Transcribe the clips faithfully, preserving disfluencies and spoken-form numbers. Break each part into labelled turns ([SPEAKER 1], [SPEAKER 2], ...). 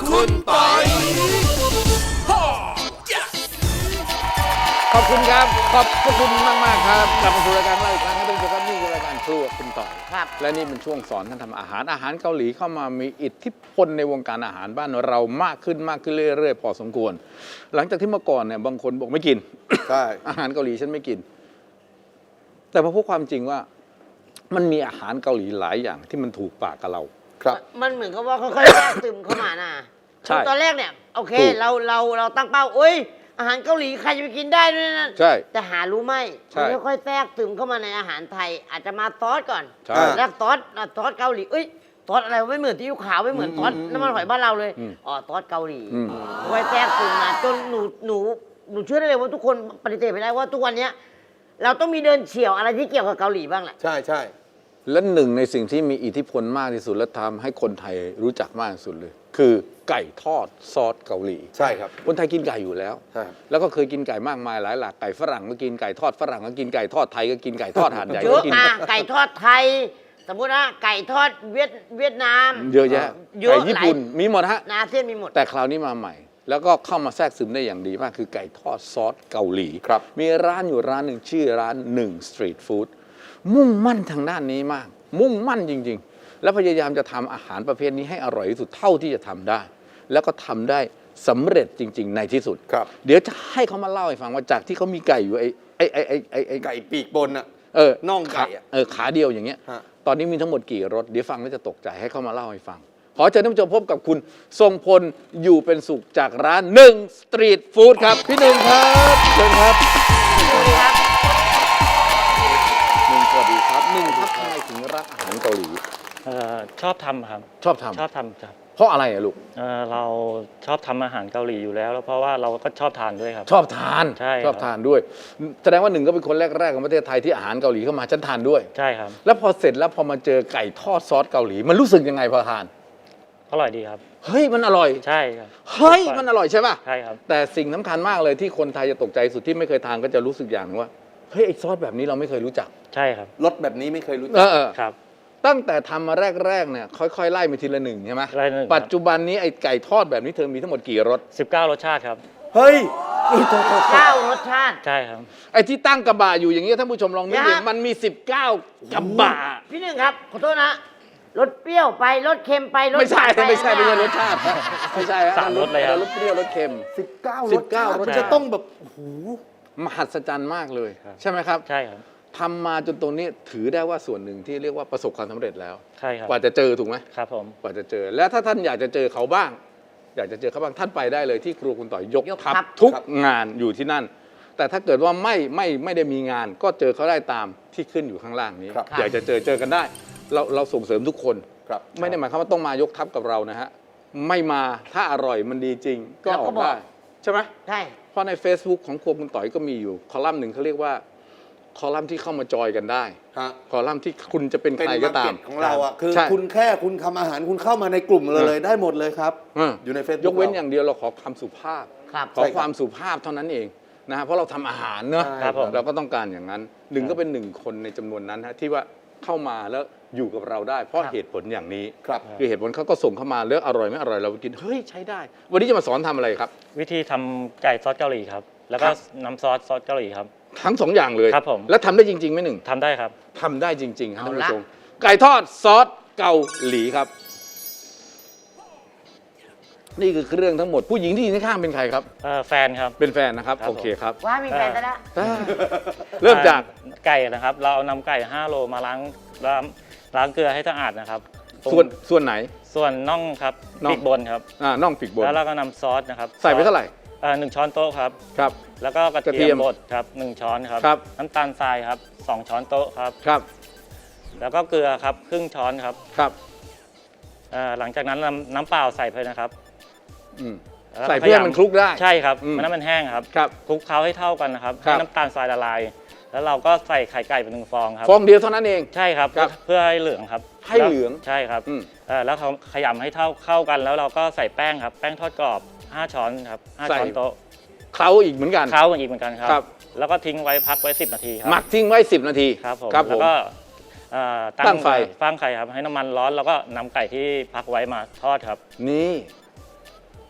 [SPEAKER 1] คุณปอยขอบคุณครับขอบพระคุณมากมากครับกลับมาสู่รายการเราอีกครั้งท่านผู้ชมครับนี่คือรายการครัวคุณต่อยครับและนี่เป็นช่วงสอนท่านทำอาหารอาหารเกาหลีเข้ามามีอิทธิพลในวงการอาหารบ้านเรามากขึ้นมากขึ้นเรื่อยๆพอสมควรหลังจากที่เมื่อก่อนเนี่ยบางคนบอกไม่กินใช่ อาหารเกาหลีฉันไม่กินแต่พอพบความจริงว่ามันมีอาหารเกาหลีหลายอย่างที่มันถูกปากกับเราครับ
[SPEAKER 2] มันเหมือนกับว่าค่อยๆแทรกซึมเข้ามาน่ะใช่ตอนแรกเนี่ยโอเคเราเราเราตั้งเป้าโอ้ยอาหารเกาหลีใครจะไปกินได้ด้วยนะใช่แต่หารู้ไหมมันค่อยๆแทรกซึมเข้ามาในอาหารไทยอาจจะมาซอสก่อนแล้วซอสซอสเกาหลีเอ้ยซอสอะไรไม่เหมือนที่ยูขาวไม่เหมือนซอสน้ำมันหอยบ้านเราเลยอ๋อซอสเกาหลีค่อยแทรกซึมมาจนหนูหนูหนูเชื่อได้เลยว่าทุกคนปฏิเสธไม่ได้ว่าทุกวันนี้เราต้องมีเดินเฉี่ยวอะไรที่เกี่ยวกับเกาหลีบ้างแหละ
[SPEAKER 1] ใช่ใช่และหนึ่งในสิ่งที่มีอิทธิพลมากที่สุดและทำให้คนไทยรู้จักมากที่สุดเลยคือไก่ทอดซอสเกาหลีใช่ครับคนไทยกินไก่อยู่แล้วแล้วก็เคยกินไก่มากมายหลายหลากไก่ฝรั่งก็กินไก่ทอดฝรั่งก็กินไก่ทอดไทยก็กินไก่ทอดหาดใหญ่ก็กิน
[SPEAKER 2] ไก่ทอดไทยสมมุตินะไก่ทอดเวียดเวียดนาม
[SPEAKER 1] เยอะแยะไก่ญี่ปุ่นมีหมดฮะ
[SPEAKER 2] อาเซียนมีหมด
[SPEAKER 1] แต่คราวนี้มาใหม่แล้วก็เข้ามาแทรกซึมได้อย่างดีมากคือไก่ทอดซอสเกาหลีครับมีร้านอยู่ร้านหนึ่งชื่อร้านหนึ่งสตรีทฟู้ดมุ่งมั่นทางด้านนี้มากมุ่งมั่นจริงๆและพยายามจะทำอาหารประเภทนี้ให้อร่อยที่สุดเท่าที่จะทำได้แล้วก็ทำได้สำเร็จจริงๆในที่สุดครับเดี๋ยวจะให้เขามาเล่าให้ฟังว่าจากที่เขามีไก่อยู่ไอ้ไอ้ไอ้ไอ้ไอ้ไอ้ไก่ปีกบนอะเออน่องไก่เออขาเดียวอย่างเงี้ยตอนนี้มีทั้งหมดกี่รสเดี๋ยวฟังแล้วจะตกใจให้เขามาเล่าให้ฟังขอเชิญท่านผู้ชมพบกับคุณทรงพลอยู่เป็นสุขจากร้านหนึ่งสตรีทฟู้ดครับพี่หนึ่งครับเชิญครับสวัสดีครับหนึ่งสวัสดีครับหนึ่งครับทำไมถึงรักอาหารเกาหลี
[SPEAKER 3] ชอบทำครับ
[SPEAKER 1] ชอบทำ
[SPEAKER 3] ชอบทำครับ
[SPEAKER 1] เพราะอะไรอะลูก
[SPEAKER 3] เเราชอบทำอาหารเกาหลีอยู่แล้วแล้วเพราะว่าเราก็ชอบทานด้วยครับ
[SPEAKER 1] ชอบทาน
[SPEAKER 3] ใช่
[SPEAKER 1] ชอบทานด้วยแสดงว่าหนึ่งก็เป็นคนแรกๆของประเทศไทยที่อาหารเกาหลีเข้ามาฉันทานด้วย
[SPEAKER 3] ใช่ครับ
[SPEAKER 1] แล้วพอเสร็จแล้วพอมาเจอไก่ทอดซอสเกาหลีมันรู้สึกยังไงพอทาน
[SPEAKER 3] อร่อยดีครับ
[SPEAKER 1] เฮ้ยมันอร่อย
[SPEAKER 3] ใช่ครับ
[SPEAKER 1] เฮ้ยมันอร่อยใช่ป่ะ
[SPEAKER 3] ใช่ครับ
[SPEAKER 1] แต่สิ่งสำคัญมากเลยที่คนไทยจะตกใจสุดที่ไม่เคยทานก็จะรู้สึกอย่างนึงว่าเฮ้ยไอ้ซอสแบบนี้เราไม่เคยรู้จัก
[SPEAKER 3] ใช่ครับ
[SPEAKER 4] รสแบบนี้ไม่เคยรู้จัก
[SPEAKER 1] ครับตั้งแต่ทำมาแรกๆเนี่ยค่อยๆไล่ไปทีละหนึ่งใช่ไหม
[SPEAKER 3] ไล่หนึ่ง
[SPEAKER 1] ปัจจุบันนี้ไอ้ไก่ทอดแบบนี้เธอมีทั้งหมดกี่รส
[SPEAKER 3] สิบเก้ารสชาติครับ
[SPEAKER 4] เฮ้ย
[SPEAKER 2] เก้ารสชาติ
[SPEAKER 3] ใช่ครับ
[SPEAKER 1] ไอ้ที่ตั้งกระบะอยู่อย่างเงี้ยท่านผู้ชมลองนึกดูมันมีสิบเก้ากระบะ
[SPEAKER 2] พี่หนึ่งครับขอโทษนะรสเปรี้ยวไปรสเค็มไปรส
[SPEAKER 1] ไม่ใช่ไม่ใช่ไม่ใช่รสชาติไม่ใช่
[SPEAKER 3] สามรสเลยครับ
[SPEAKER 1] รสเปรี้ยวรสเค็ม
[SPEAKER 4] สิบเก้ารสชาติมันจะต้องแบบโอ้โห
[SPEAKER 1] มหัศจรรย์มากเลยใช่ไหมครับ
[SPEAKER 3] ใช่ครับ
[SPEAKER 1] ทำมาจนตรงนี้ถือได้ว่าส่วนหนึ่งที่เรียกว่าประสบความสำเร็จแล้ว
[SPEAKER 3] ใช่ครับ
[SPEAKER 1] กว่าจะเจอถูกไหม
[SPEAKER 3] ครับผม
[SPEAKER 1] กว่าจะเจอแล้วถ้าท่านอยากจะเจอเขาบ้างอยากจะเจอเขาบ้างท่านไปได้เลยที่ครัวคุณต่อยยกทัพทุกงานอยู่ที่นั่นแต่ถ้าเกิดว่าไม่ไม่ไม่ได้มีงานก็เจอเขาได้ตามที่ขึ้นอยู่ข้างล่างนี้อยากจะเจอเจอกันได้เราเราส่งเสริมทุกคนไม่ได้หมายความว่าต้องมายกทัพกับเรานะฮะไม่มาถ้าอร่อยมันดีจริงก็ออกได้ใช่ไหม
[SPEAKER 2] ใช่
[SPEAKER 1] เพราะใน Facebook ของครัวคุณต่อยก็มีอยู่คอลัมน์หนึ่งเขาเรียกว่าคอลัมน์ที่เข้ามาจอยกันได้คอลัมน์ที่คุณจะเป็นใครก็ตาม
[SPEAKER 4] ของเราอ่ะคือคุณแค่คุณทำอาหารคุณเข้ามาในกลุ่มเลยได้หมดเลยครับอยู่ใน Facebook
[SPEAKER 1] ยกเว้นอย่างเดียวเราขอความสุภาพขอความสุภาพเท่านั้นเองนะฮะเพราะเราทำอาหารเนอะเราก็ต้องการอย่างนั้นหนึ่งก็เป็นหนึ่งคนในจำนวนนั้นฮะที่ว่าเข้ามาแล้วอยู่กับเราได้เพราะเหตุผลอย่างนี้คือเหตุผลเขาก็ส่งเข้ามาเลือกอร่อยไม่อร่อยเราไปกินเฮ้ยใช้ได้วันนี้จะมาสอนทำอะไรครับ
[SPEAKER 3] วิธีทำไก่ซอสเกาหลีครับแล้วก็น้ำซอสซอสเกาหลีครับ
[SPEAKER 1] ทั้งสองอย่างเลย
[SPEAKER 3] ครับผม
[SPEAKER 1] แล้วทำได้จริงๆไหมหนึ่ง
[SPEAKER 3] ทำได้ครับ
[SPEAKER 1] ทำได้จริงๆครับท่านผู้ชมไก่ทอดซอสเกาหลีครับนี่คือเครื่องทั้งหมดผู้หญิงที่อยู่ข้างเป็นใครครับ
[SPEAKER 3] แฟนครับ
[SPEAKER 1] เป็นแฟนนะครับโอเคครับ
[SPEAKER 2] ว่ามีแฟนแล้ว
[SPEAKER 1] เริ่มจาก
[SPEAKER 3] ไก่นะครับเราเอานำไก่ห้าโลมาล้างล้างล้างเกลือให้สะอาดนะครับ
[SPEAKER 1] ส่วนส่วนไหน
[SPEAKER 3] ส่วนน่องครับปีกบนครับ
[SPEAKER 1] อ่าน่องปีกบน
[SPEAKER 3] แล้วเราก็นำซอสนะครับ
[SPEAKER 1] ใส่ไปเท่าไหร่
[SPEAKER 3] อ่าหนึ่งช้อนโต๊ะครับ
[SPEAKER 1] ครับ
[SPEAKER 3] แล้วก็กระเทียมบดครับหนึ่งช้อนครับ
[SPEAKER 1] ครับ
[SPEAKER 3] น้ำตาลทรายครับสองช้อนโต๊ะครับ
[SPEAKER 1] ครับ
[SPEAKER 3] แล้วก็เกลือครับครึ่งช้อนครับ
[SPEAKER 1] ครับ
[SPEAKER 3] อ่าหลังจากนั้นน้ำน้ำเปล่าใส่ไปนะครับ
[SPEAKER 1] ใส่เพื่อมันคลุกได้
[SPEAKER 3] ใช่ครับมันนั้นมันแห้งครับ
[SPEAKER 1] ครับ
[SPEAKER 3] คลุกเคล้าให้เท่ากันนะครับให้น้ำตาลทรายละลายแล้วเราก็ใส่ไข่ไก่ไปหนึ่งฟองครับ
[SPEAKER 1] ฟองเดียวเท่านั้นเอง
[SPEAKER 3] ใช่ครับเพื่อให้เหลืองครับ
[SPEAKER 1] ให้เหลือง
[SPEAKER 3] ใช่ครับแล้วเขาขยำให้เท่าเข้ากันแล้วเราก็ใส่แป้งครับแป้งทอดกรอบห้าช้อนครับห้าช้อนโต๊ะ
[SPEAKER 1] เคล้าอีกเหมือนกัน
[SPEAKER 3] เคล้าอีกเหมือนกันครับแล้วก็ทิ้งไว้พักไว้สิบนาทีครับ
[SPEAKER 1] หมักทิ้งไว้สิบนาที
[SPEAKER 3] ครับผมแล้วก็ตั้งไฟตั้งไฟครับให้น้ำมันร้อนแล้วก็นำไก่ที่พักไว้มาทอดครับ
[SPEAKER 1] นี่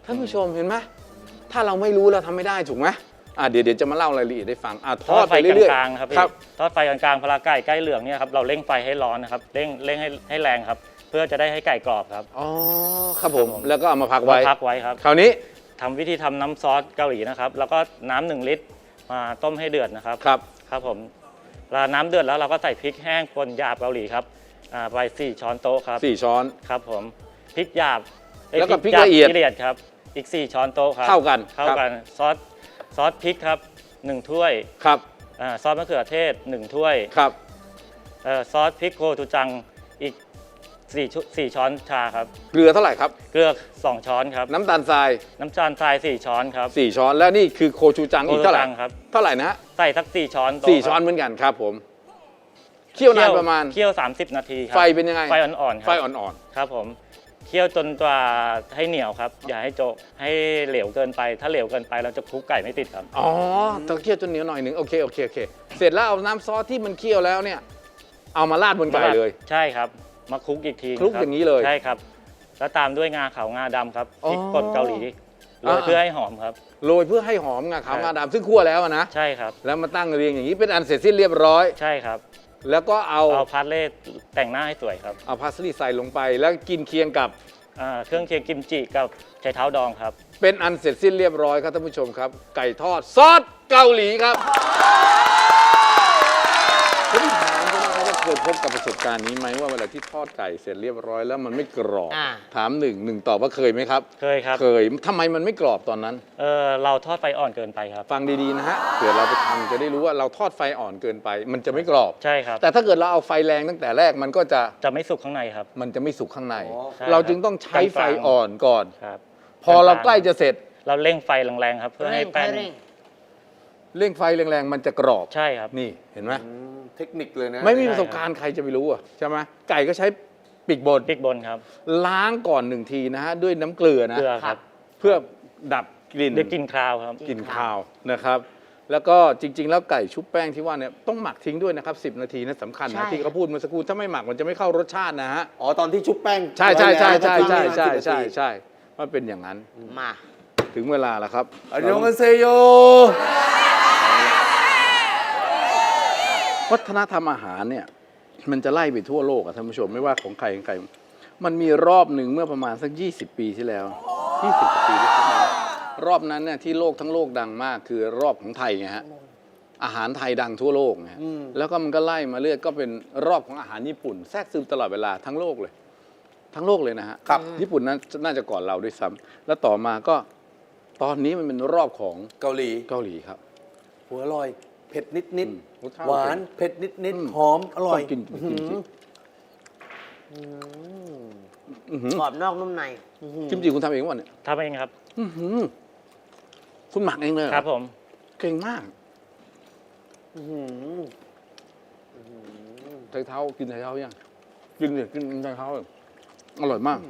[SPEAKER 1] ท่านผู้ชมเห็นไหมถ้าเราไม่รู้เราทำไม่ได้ถูกไหมอ่ะเดี๋ยวเดี๋ยวจะมาเล่ารายละเอียดให้ฟังอ่ะท
[SPEAKER 3] ท
[SPEAKER 1] อ
[SPEAKER 3] อ
[SPEAKER 1] ด
[SPEAKER 3] ด
[SPEAKER 1] ไป
[SPEAKER 3] ไฟ
[SPEAKER 1] เรื่อย
[SPEAKER 3] กลางๆครับ
[SPEAKER 1] ๆ
[SPEAKER 3] พี่
[SPEAKER 1] ครับ
[SPEAKER 3] ทอดไฟกลางๆพลาไก่ใกล้เหลืองเนี่ยครับเราเร่งไฟให้ร้อนนะครับเร่งเร่งให้ให้แรงครับ เพื่อจะได้ให้ไก่กรอบครับ
[SPEAKER 1] อ๋อครับผมแล้วก็เอามาพักไว้
[SPEAKER 3] มาพักไว้ครับ
[SPEAKER 1] คราวนี้
[SPEAKER 3] ทำวิธีทำน้ำซอสเกาหลีนะครับ แล้วก็น้ำหนึ่งลิตรมาต้มให้เดือดนะครับ
[SPEAKER 1] ครับ
[SPEAKER 3] ครับผมเวลาน้ำเดือดแล้วเราก็ใส่พริกแห้งป่นหยาบเกาหลีครับอ่าไปสี่ช้อนโต๊ะครับ
[SPEAKER 1] สี่ช้อน
[SPEAKER 3] ครับผมพริกหยาบอ้
[SPEAKER 1] แล้วก็พริก
[SPEAKER 3] หาบ
[SPEAKER 1] ละเอียด
[SPEAKER 3] ละเอียดครับอีกสี่ช้อนโต๊ะครับ
[SPEAKER 1] เท่ากัน
[SPEAKER 3] เท่ากันซอสซอสพริกครับหนึ่งถ้วย
[SPEAKER 1] ครับ
[SPEAKER 3] อ่าซอสมะเขือเทศหนึ่งถ้วย
[SPEAKER 1] ครับ
[SPEAKER 3] เอ่อซอสพริกโกจูจังอีกสี่ชุสี่ช้อนชาครับ
[SPEAKER 1] เกลือเท่าไหร่ครับ
[SPEAKER 3] เกลือสองช้อนครับ
[SPEAKER 1] น้ำตาลทราย
[SPEAKER 3] น้ำตาลทรายสี่ช้อนครับ
[SPEAKER 1] สี่ช้อนแล้วนี่คือโคชูจังอีกเท่าไหร่
[SPEAKER 3] โคชูจังครับ
[SPEAKER 1] เท่าไหร่นะฮะ
[SPEAKER 3] ใส่สักสี่ช้อนโต๊ะ
[SPEAKER 1] สี่
[SPEAKER 3] ครับ
[SPEAKER 1] ช้อนเหมือนกันครับผมเคี่ยวนานประมาณ
[SPEAKER 3] เคี่ยวสามสิบนาทีครับ
[SPEAKER 1] ไฟเป็นยังไง
[SPEAKER 3] ไฟอ่อนๆค
[SPEAKER 1] ไฟ
[SPEAKER 3] รับ
[SPEAKER 1] อ่อน
[SPEAKER 3] ครับผมเคี่ยวจนกว่าให้เหนียวครับ อย่าให้โจะให้เหลวเกินไป ถ้าเหลวเกินไปเราจะคลุกไก่ไม่ติดครับ
[SPEAKER 1] ๆอ๋อต้องเคี่ยวจนเหนียวหน่อยหนึ่งโอเคโอเคโอเคเสร็จแล้วเอาน้ำซอสที่มันเคี่ยวแล้วเนี่ยเอามาราดบนไก่เลย
[SPEAKER 3] ใช่ครับ มาคลุกอีกที
[SPEAKER 1] คลุก
[SPEAKER 3] รับ
[SPEAKER 1] อย่างนี้เลย
[SPEAKER 3] ใช่ครับ แล้วตามด้วยงาขาวงาดำครับพริก
[SPEAKER 1] อ๋อ
[SPEAKER 3] ป่นเกาหลีโรย
[SPEAKER 1] อ่า
[SPEAKER 3] เพื่อให้หอมครับ
[SPEAKER 1] โรยเพื่อให้หอมงาขาว
[SPEAKER 3] ใช่
[SPEAKER 1] งาดำซึ่งคั่วแล้วอะนะ
[SPEAKER 3] ใช่ครับ
[SPEAKER 1] แล้วมาตั้งเรียงอย่างนี้เป็นอันเสร็จสิ้นเรียบร้อย
[SPEAKER 3] ใช่ครับ
[SPEAKER 1] แล้วก็เอา
[SPEAKER 3] เอาพาสเล่แต่งหน้าให้สวยครับ
[SPEAKER 1] เอาพาสลีย์ใส่ลงไปแล้วกินเคียงกับ
[SPEAKER 3] อ่าเครื่องเคียงกิมจิกับไชเท้าดองครับ
[SPEAKER 1] เป็นอันเสร็จสิ้นเรียบร้อยครับท่านผู้ชมครับ ไก่ทอดซอสเกาหลีครับผมถามคุณนะครับว่าเคยพบกับประสบการณ์นี้ไหมว่าเวลาที่ทอดไก่เสร็จเรียบร้อยแล้วมันไม่กรอบ
[SPEAKER 2] อ่า
[SPEAKER 1] ถามหนึ่งหนึ่งตอบว่าเคยไหมครับ
[SPEAKER 3] เคยครับ
[SPEAKER 1] เคยทำไมมันไม่กรอบตอนนั้น
[SPEAKER 3] เออเราทอดไฟอ่อนเกินไปครับ
[SPEAKER 1] ฟังดีๆนะฮะเผื่อเราไปทำจะได้รู้ว่าเราทอดไฟอ่อนเกินไป มันจะไม่กรอบ
[SPEAKER 3] ใช่ครับ
[SPEAKER 1] แต่ถ้าเกิดเราเอาไฟแรงตั้งแต่แรกมันก็จะ
[SPEAKER 3] จะไม่สุกข้างในครับ
[SPEAKER 1] มันจะไม่สุกข้างใน
[SPEAKER 4] อ๋อ
[SPEAKER 3] ใช่
[SPEAKER 1] เราจึงต้องใช้ไฟอ่อนก่อน
[SPEAKER 3] ครับ
[SPEAKER 1] พอเราใกล้จะเสร็จ
[SPEAKER 3] เราเร่งไฟแรงๆครับเพื่อให้
[SPEAKER 2] เร่ง
[SPEAKER 3] แป้ง
[SPEAKER 2] เร่ง
[SPEAKER 1] เร่งไฟแรงๆมันจะกรอบ
[SPEAKER 3] ใช่ครับ
[SPEAKER 1] นี่เห็นไหม
[SPEAKER 4] อืมเทคนิคเลยนะ
[SPEAKER 1] ไม่มีประสบการณ์ใครจะไปรู้อ่ะใช่ไหมไก่ก็ใช้ปีกบน
[SPEAKER 3] พริกบนครับ
[SPEAKER 1] ล้างก่อนหนึ่งทีนะฮะด้วยน้ำเกลือนะ
[SPEAKER 3] เกลือครับ
[SPEAKER 1] เพื่อดับกลิ่น
[SPEAKER 3] เดี๋ยวกลินคราวครับ
[SPEAKER 1] กลิ่นคาวนะครับ แล้วก็จริง ๆ แล้วไก่ชุบแป้งที่ว่าเนี่ยต้องหมักทิ้งด้วยนะครับสิบนาทีนะสำคัญ
[SPEAKER 2] ใช่
[SPEAKER 1] นะที่เขาพูดเมื่อสักครู่ถ้าไม่หมักมันจะไม่เข้ารสชาตินะฮะ
[SPEAKER 4] อ๋อตอนที่ชุบแป้ง
[SPEAKER 1] ใช่ใช่ใช่ใช่
[SPEAKER 4] ไว้
[SPEAKER 1] ใช่
[SPEAKER 4] แล้ว
[SPEAKER 1] ใช่
[SPEAKER 4] ก็ทิ้งไว้
[SPEAKER 1] ใช่
[SPEAKER 4] สิบนาที
[SPEAKER 1] ใช่มันเป็นอย่างนั้น
[SPEAKER 2] มา
[SPEAKER 1] ถึงเวลาแล้วครับ
[SPEAKER 4] อันยองกันเซโย
[SPEAKER 1] วัฒนธรรมอาหารเนี่ยมันจะไล่ไปทั่วโลกอะท่านผู้ชมไม่ว่าของใครของใครมันมีรอบหนึ่งเมื่อประมาณสักยี่สิบปีที่แล้วยี่สิบกว่าปีที่แล้วรอบนั้นเนี่ยที่โลกทั้งโลกดังมากคือรอบของไทยไงฮะอาหารไทยดังทั่วโลกไงแล้วก็มันก็ไล่มาเรื่อยก็เป็นรอบของอาหารญี่ปุ่น แทรกซึมตลอดเวลาทั้งโลกเลย ทั้งโลกเลยนะฮะ
[SPEAKER 4] ครับ
[SPEAKER 1] ญี่ปุ่นนั้นน่าจะก่อนเราด้วยซ้ำแล้วต่อมาก็ตอนนี้มันเป็นรอบของ
[SPEAKER 4] เกาหลี
[SPEAKER 1] เกาหลีครับ
[SPEAKER 4] หัวอร่อย เผ็ดนิดนิด
[SPEAKER 1] อืมรสชาติ
[SPEAKER 4] หวานเผ็ดนิดนิด
[SPEAKER 1] อืม
[SPEAKER 4] หอมอร่อย
[SPEAKER 1] ต้องกินกินกินสิ อื้อหือก
[SPEAKER 2] รอบนอกนุ่มใน
[SPEAKER 1] กิมจิคุณทำเองวะเนี่ย
[SPEAKER 3] ทำเองครับ
[SPEAKER 1] อื้อหือคุณหมักเองเลยเหอ
[SPEAKER 3] ครับผม
[SPEAKER 1] เก่งมาก
[SPEAKER 4] อื้อหือ
[SPEAKER 1] ไชเท้ากินไชเท้ายังกินเนี่ยกินไชเท้าเลยอร่อยมาก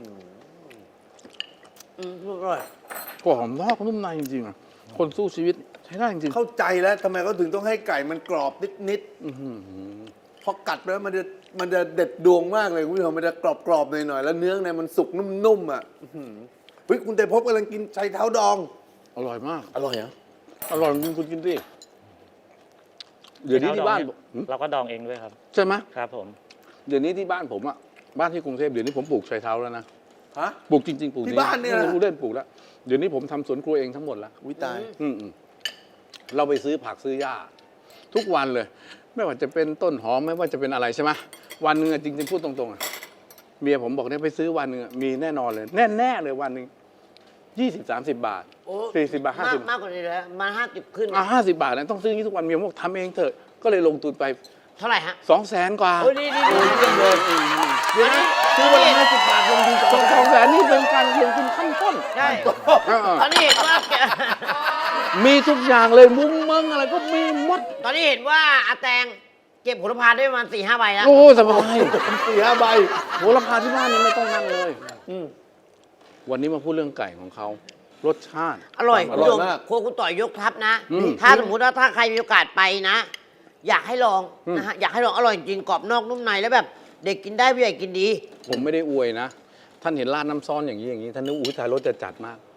[SPEAKER 2] อืมอร่อย
[SPEAKER 1] กรอบนอกนุ่มในจริงๆอ่ะคนสู้ชีวิตใช้ได้จริง
[SPEAKER 4] เข้าใจแล้วทำไมเขาถึงต้องให้ไก่มันกรอบนิดนิด
[SPEAKER 1] ๆอื้อหือ
[SPEAKER 4] พอกัดไปแล้วมันจะมันจะเด็ดดวงมากเลยคุณผู้ชมมันจะกรอบกรอบๆหน่อยๆแล้วเนื้อเนี่ยมันสุกนุ่มๆอ่ะอื้อหือเฮ้ยคุณเตพบกำลังกินไชเท้าดอง
[SPEAKER 1] อร่อยมาก
[SPEAKER 4] อร่อยเหรอ
[SPEAKER 1] อร่อยจริงคุณกินดิเดี๋ยวนี้ที่บ้านผมหืม
[SPEAKER 3] เราก็ดองเองด้วยครับ
[SPEAKER 1] ใช่ไหม
[SPEAKER 3] ครับผม
[SPEAKER 1] เดี๋ยวนี้ที่บ้านผมอ่ะบ้านที่กรุงเทพเดี๋ยวนี้ผมปลูกไชเท้าแล้วนะ
[SPEAKER 4] ฮะ
[SPEAKER 1] ปลูกจริงๆปลูก
[SPEAKER 4] ที่บ้านเนี่ยนะ
[SPEAKER 1] ไม่รู้เล่นปลูกแล้วเดี๋ยวนี้ผมทำสวนครัวเองทั้งหมดแล้ว
[SPEAKER 4] วิตาย
[SPEAKER 1] อืมๆเราไปซื้อผักซื้อหญ้า ทุกวันเลย ไม่ว่าจะเป็นต้นหอมไม่ว่าจะเป็นอะไรใช่ไหมวันหนึ่งอะจริงๆพูดตรงๆอะเมียผมบอกเนี่ยไปซื้อวันหนึ่งอะมีแน่นอนเลย แน่ๆเลยวันหนึ่งยี่สิบสามสิบบาท
[SPEAKER 2] โอ้
[SPEAKER 1] สี่สิบบาทห้าม
[SPEAKER 2] าก
[SPEAKER 1] สิบ
[SPEAKER 2] มากกว่านี้เลยมาห้าสิบขึ้น
[SPEAKER 1] อ่ะห้าสิบบาทนะต้องซื้ออย่างนี้ทุกวันเมียผมบอกทำเองเถอะก็เลยลงทุนไป
[SPEAKER 2] เท่าไหร่ฮะ
[SPEAKER 1] สองแสนกว่า
[SPEAKER 2] โอ้ยดีดีดีดี
[SPEAKER 1] เลย
[SPEAKER 2] เดี๋ยวนี้
[SPEAKER 1] ซื้อวันละห้าสิบบาทลงทุนสองสองแสนนี่เป็นการลงทุนขั้นต้น
[SPEAKER 2] ใช่
[SPEAKER 1] อ่า
[SPEAKER 2] ตอนนี้เห็นว่าแก
[SPEAKER 1] มีทุกอย่างเลยมุ้งมึงอะไรก็มีหมด
[SPEAKER 2] ตอนนี้เห็นว่าอาแตงเก็บผลพาได้ประมาณสี่ห้าใบแล้ว
[SPEAKER 1] โอ้สบายสี่ห้าใบโหราคาที่บ้านนี่ไม่ต้องนั่งเลย
[SPEAKER 4] อืม
[SPEAKER 1] วันนี้มาพูดเรื่องไก่ของเขารสชาติ
[SPEAKER 2] อร่อย
[SPEAKER 4] อร่อย
[SPEAKER 2] คุณผู้ช
[SPEAKER 4] มาก
[SPEAKER 2] ครัวคุณต่อยยกทัพนะ
[SPEAKER 1] อืม
[SPEAKER 2] ถ้าสมมุติว่าถ้าใครมีโอกาสไปนะ อยากให้ลอง
[SPEAKER 1] อืม
[SPEAKER 2] นะฮะอยากให้ลองอร่อยจริงกรอบนอกนุ่มในแล้วแบบเด็กกินได้ผู้ใหญ่กินดี
[SPEAKER 1] ผมไม่ได้อวยนะ ท่านเห็นราดน้ำซ้อนอย่างนี้อย่างนี้ท่านนึกอุ้ยตายรสจะจัดมาก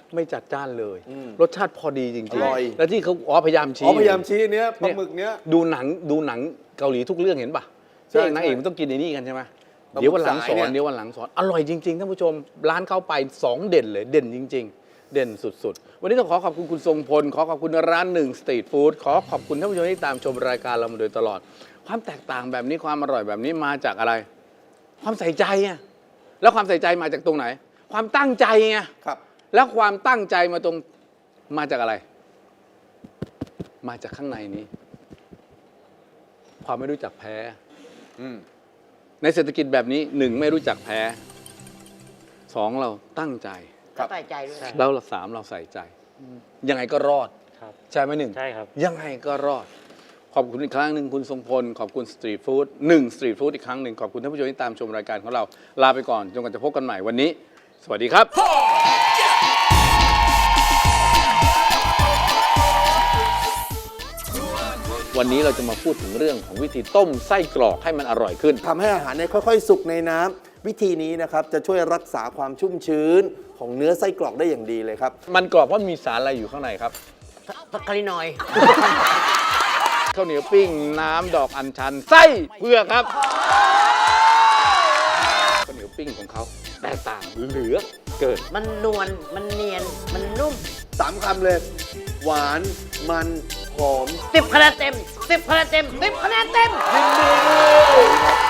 [SPEAKER 1] ไม่จัดจ้านเลย
[SPEAKER 4] อืม
[SPEAKER 1] รสชาติพอดีจริง
[SPEAKER 4] อร่อย
[SPEAKER 1] ๆแล้วที่เขาอ๋อพยายามชี้
[SPEAKER 4] อ๋อพยายามชี้เนี้ยปลาหมึกเนี้ย
[SPEAKER 1] ดูหนังดูหนังเกาหลีทุกเรื่องเห็นปะ
[SPEAKER 4] ใช่
[SPEAKER 1] เรื่องนางเอก
[SPEAKER 4] ใช่
[SPEAKER 1] มันต้องกินในนี่กันใช่ไหม
[SPEAKER 4] ปลาหมึก
[SPEAKER 1] เดี๋ยววันหลังส
[SPEAKER 4] สาย
[SPEAKER 1] อ
[SPEAKER 4] เนี่
[SPEAKER 1] น
[SPEAKER 4] ย
[SPEAKER 1] เดี๋ยววันหลังสอนอร่อยจริงๆท่านผู้ชมร้านเข้าไปสองเด่นเลยเด่นจริง ๆ เด่นสุดๆ วันนี้ต้องขอขอบคุณคุณทรงพลขอขอบคุณร้านหนึ่งสตรีทฟู้ดขอขอบคุณท่านผู้ชมที่ตามชมรายการเรามาโดยตลอด ความแตกต่างแบบนี้ความอร่อยแบบนี้มาจากอะไร ความใส่ใจไงแล้วความใส่ใจมาจากตรงไหน ความตั้งใจไง
[SPEAKER 4] ครับ
[SPEAKER 1] แล้วความตั้งใจมาตรงมาจากอะไร มาจากข้างในนี้ ความไม่รู้จักแพ้
[SPEAKER 4] อืม
[SPEAKER 1] ในเศรษฐกิจแบบนี้หนึ่งไม่รู้จักแพ้สองเราตั้งใจ
[SPEAKER 4] ครับ
[SPEAKER 2] ใส่ใจด้วย
[SPEAKER 1] แล้วเราสามเราใส่ใจ ยังไงก็รอด
[SPEAKER 3] ครับ
[SPEAKER 1] ใช่ไหมหนึ่ง
[SPEAKER 3] ใช่ครับ
[SPEAKER 1] ยังไงก็รอด ขอบคุณอีกครั้งหนึ่งคุณทรงพล ขอบคุณสตรีทฟู้ดหนึ่งสตรีทฟู้ดอีกครั้งหนึ่งขอบคุณท่านผู้ชมที่ตามชมรายการของเราลาไปก่อนจนกว่าจะพบกันใหม่วันนี้ สวัสดีครับ วันนี้เราจะมาพูดถึงเรื่องของวิธีต้มไส้กรอกให้มันอร่อยขึ้น
[SPEAKER 4] ทำให้อาหารเนี่ยค่อยๆ สุกในน้ำวิธีนี้นะครับจะช่วยรักษาความชุ่มชื้นของเนื้อไส้กรอกได้อย่างดีเลยครับ
[SPEAKER 1] มันกรอบเพราะมีสารอะไรอยู่ข้างในครับ
[SPEAKER 2] สักคารินอยด์
[SPEAKER 1] ข้าวเหนียวปิ้ง น้ำดอกอัญชัน ไส้เผือกครับข้าวเหนียวปิ้งของเขาแตกต่างเหลือเกิน
[SPEAKER 2] มันนวล มันเนียน มันนุ่ม
[SPEAKER 4] สามคำเลย หวาน มัน หอม
[SPEAKER 2] สิบคะแนนเต็มสิบคะแนนเต็มสิบคะแนนเต็ม
[SPEAKER 4] ยินดีด้วย